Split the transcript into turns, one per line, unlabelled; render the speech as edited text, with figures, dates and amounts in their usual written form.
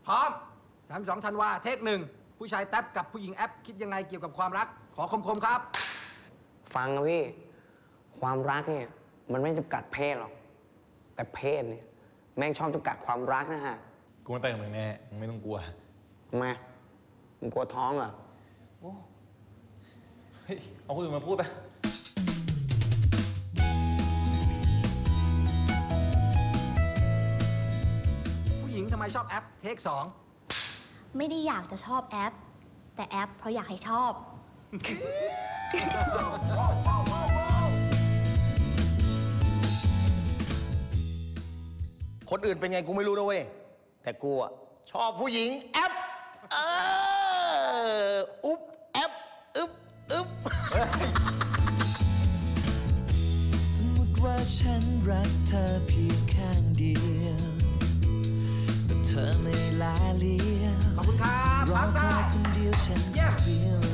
พร้อม32 ธันวาเทคหนึ่งผู้ชายแท็บกับผู้หญิงแอปคิดยังไงเกี่ยวกับความรักขอคมๆครับ
ฟังนะพี่ความรักเนี่ยมันไม่จำกัดเพศหรอกแต่เพศเนี่ยแม่งชอบจำกัดความรักนะฮะ
กูไม่ไปกับมึงแน่มึงไม่ต้องกลัว
ทำไมมึงกลัวท้องเหรอ
โอ้เฮ้ยเอาคนอื่นมาพูดไป
ผู้หญิงทำไมชอบแอปเทค2
ไม่ได้อยากจะชอบแอปแต่แอปเพราะอยากให้ชอบ
คนอื่นเป็นไงกูไม่รู้นะเว้ยแต่กูอะชอบผู้หญิงแอปอุ๊บแอปอึ๊บ
สมมติว่าฉันรักเธอเพียงข้างเดียวแต่เธอไม่ลาเลีย
ขอบคุณครับ
รอเธอคนเดียวฉันเสียเว